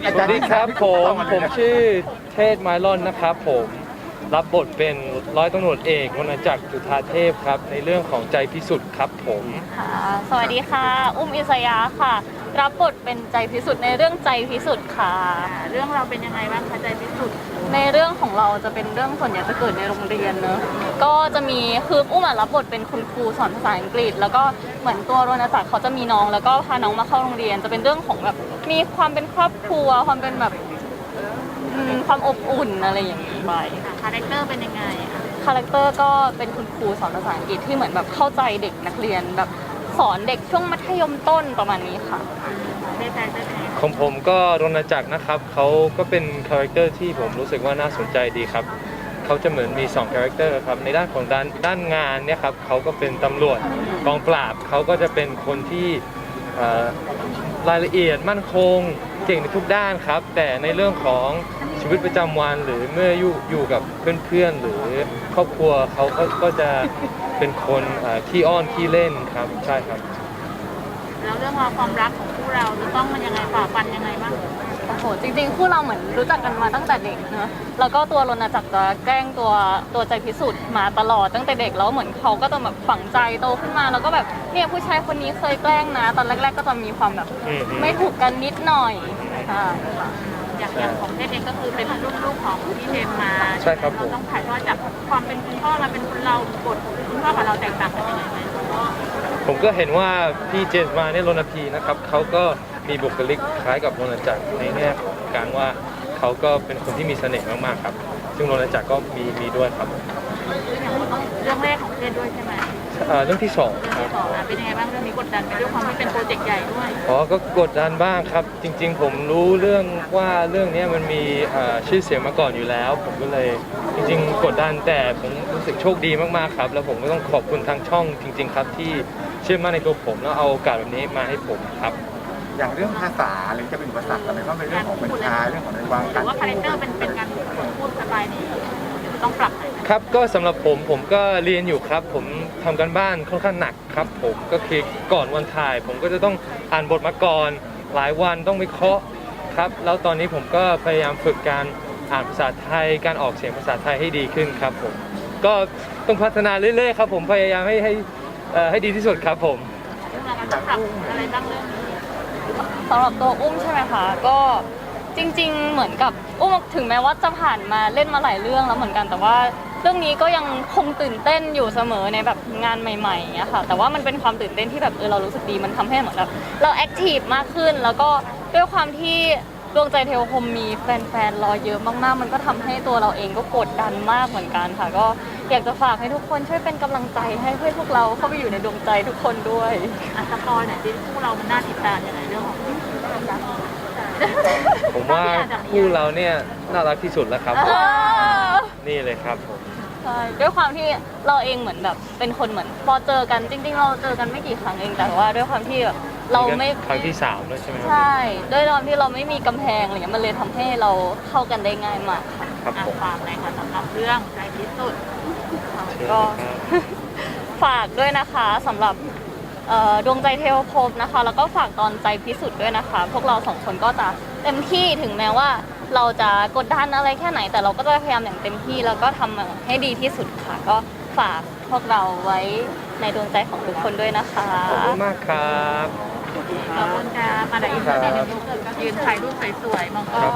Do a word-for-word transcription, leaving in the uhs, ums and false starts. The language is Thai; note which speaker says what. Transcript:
Speaker 1: สวัสดีครับผมผมชื่อเทศไมลอนนะครับผมรับบทเป็นร้อยตำรวจเอกวรรณจักรจุฑาเทพครับในเรื่องของใจพิสุทธิ์ครับผม
Speaker 2: ค่ะสวัสดีค่ะอุ้มอิสยาค่ะรับบทเป็นใจพิสุทธิ์ในเรื่องใจพิสุทธิ์ค่ะ
Speaker 3: เรื่องเราเป็นยังไงบ้างคะใจพิสุทธิ์
Speaker 2: ในเรื่องของเราจะเป็นเรื่องส่วนใหญ่จะเกิดในโรงเรียนเนอะก็จะมีคืออุ้มรับบทเป็นคุณครูสอนภาษาอังกฤษแล้วก็เหมือนตัววรรณจักรเขาจะมีน้องแล้วก็พาน้องมาเข้าโรงเรียนจะเป็นเรื่องของแบบมีความเป็นครอบครัวความเป็นแบบความอบอุ่นอะไรอย่างนี้ไป
Speaker 3: คาแรคเตอร์เป็นยังไง
Speaker 2: คาแรคเตอร์ก็เป็นคุณครูสอนภาษาอังกฤษที่เหมือนแบบเข้าใจเด็กนักเรียนแบบสอนเด็กช่วงมัธยมต้นประมาณนี้ค่ะ
Speaker 3: ได้ใจได้ใจ
Speaker 1: ของผมก็รณจักรนะครับเขาก็เป็นคาแรคเตอร์ที่ผมรู้สึกว่าน่าสนใจดีครับเขาจะเหมือนมีสองคาแรคเตอร์ครับในด้านของด้านด้านงานเนี่ยครับเขาก็เป็นตำรวจกองปราบเขาก็จะเป็นคนที่รายละเอียดมั่นคงเก่งในทุกด้านครับแต่ในเรื่องของชีวิตประจำวันหรือเมื่ออยู่อยู่กับเพื่อนๆหรือครอบครัวเขาก็ก็จะเป็นคนขี้อ้อนขี้เล่นครับใช่ครับ
Speaker 3: แล้วเรื่องราวความรักของคู่เราจะต้องมันยังไงฝ่าฟันยังไงบ้าง
Speaker 2: โอ้โหจริงๆคู่เราเหมือนรู้จักกันมาตั้งแต่เด็กเนอะแล้วก็ตัวรณจักรจะแกล้งตัวตัวใจพิสุทธิ์มาตลอดตั้งแต่เด็กแล้วเหมือนเขาก็จะแบบฝังใจโตขึ้นมาแล้วก็แบบเนี่ยผู้ชายคนนี้เคยแกล้งนะตอนแรกๆก็จะมีความแบบไม่ถูกกันนิดหน่อยค่ะ
Speaker 3: อย่างอย่างของเทพเองก็คือเป็นลูกลูกของพี่เทมมา
Speaker 1: ใช่ครับ
Speaker 3: เราต้องถ่ายทอดจากความเป็นคุณพ่อมาเป็นคนเราบทคุณพ่อกับเราแตกต่างกันยังไงไหม
Speaker 1: ผมก็เห็นว่าพี่เจมส์มาเนี่ยรณพีนะครับเขาก็มีบุคลิกคล้ายกับรณจักรในแง่ของการว่าเขาก็เป็นคนที่มีเสน่ห์มากๆครับซึ่งรณจักรก็มีมีด้วยครับ
Speaker 3: เรื่องแรกของเทพด้วยใช่ไหม
Speaker 1: เรื่องที่สองครับ
Speaker 3: เป็นยังไงบ้างเรื่องนี้กดดันไปด้วยความที่เป็นโปรเจกต์ใหญ่ด้วย
Speaker 1: อ๋อก็กดดันบ้างครับจริงๆผมรู้เรื่องว่าเรื่องนี้มันมีชื่อเสียงมาก่อนอยู่แล้วผมก็เลยจริงๆกดดันแต่ผมรู้สึกโชคดีมากๆครับแล้วผมก็ต้องขอบคุณทางช่องจริงๆครับที่เชื่อมั่นในตัวผมแล้วเอาโอกาสแบบนี้มาให้ผมครับ
Speaker 4: อย่างเรื่องภาษาหรือจะเป็นอุปสรรคอะไรก็เป็นเรื่องของบัญชาเรื่องของในวาง
Speaker 3: การว่าคาแรคเตอร์เป็นเป็นการพูดสไตล์นี้ต้องปรับ
Speaker 1: ครับก็สำหรับผมผมก็เรียนอยู่ครับผมทำการบ้านค่อนข้างหนักครับผมก็คือก่อนวันถ่ายผมก็จะต้องอ่านบทมาก่อนหลายวันต้องวิเคราะห์ครับแล้วตอนนี้ผมก็พยายามฝึกการอ่านภาษาไทยการออกเสียงภาษาไทยให้ดีขึ้นครับผมก็ต้องพัฒนาเรื่อยๆครับผมพยายามให้ให้ให้ดีที่สุดครับผม
Speaker 3: ต้องปรับอะไรบ้างเรื่องนี้
Speaker 2: สำหรับตัวอุ้มใช่ไหมคะก็จริงๆเหมือนกับอุ้มถึงแม้ว่าจะผ่านมาเล่นมาหลายเรื่องแล้วเหมือนกันแต่ว่าเรื่องนี้ก็ยังคงตื่นเต้นอยู่เสมอในแบบงานใหม่ๆอย่างเงี้ยค่ะแต่ว่ามันเป็นความตื่นเต้นที่แบบเออเรารู้สึกดีมันทำให้เหมือนแบบเราแอคทีฟมากขึ้นแล้วก็ด้วยความที่ดวงใจเทวคมมีแฟนๆรอเยอะมากๆมันก็ทำให้ตัวเราเองก็กดดันมากเหมือนกันค่ะก็อยากจะฝากให้ทุกคนช่วยเป็นกำลังใจให้เพื่อพวกเราเข้าไปอยู่ในดวงใจทุกคนด้วย
Speaker 3: อ่ะสปอยหน่อยสิคู่เรามันน่าติดตามยังไงเรื่องของ
Speaker 1: ผมว่าคู่เราเนี่ยน่ารักที่สุดแล้วครับนี่เลยครับผม
Speaker 2: ใช่ด้วยความที่เราเองเหมือนแบบเป็นคนเหมือนพอเจอกันจริงๆเราเจอกันไม่กี่ครั้งเองแต่ว่าด้วยความที่แบบเราไม่
Speaker 1: ครั้งที่สามแล้วใช่ไหม
Speaker 2: ใช่ด้วยความที่เราไม่มีกำแพงอะไรเงี้ยมันเลยทำให้เราเข้ากันได้ง่ายมากค่ะ
Speaker 1: ครับผม
Speaker 3: ฝากหน่อยค่ะสำหรับเรื่องใจพิสุทธิ์
Speaker 2: ก็ฝากด้วยนะคะสำหรับดวงใจเทวภพนะคะแล้วก็ฝากตอนใจพิสุทธิ์ด้วยนะคะพวกเราสองคนก็จะเต็มที่ถึงแม้ว่าเราจะกดดันอะไรแค่ไหนแต่เราก็จะพยายามอย่างเต็มที่แล้วก็ทำให้ดีที่สุดค่ะก็ฝากพวกเราไว้ในดวงใจของทุกคนด้วยนะคะ
Speaker 1: ขอบคุณมากครับ
Speaker 3: ขอบคุณค่ะมาดามอินเตอร์เน็ตยืนถ่ายรูปสวยๆมองกล้อง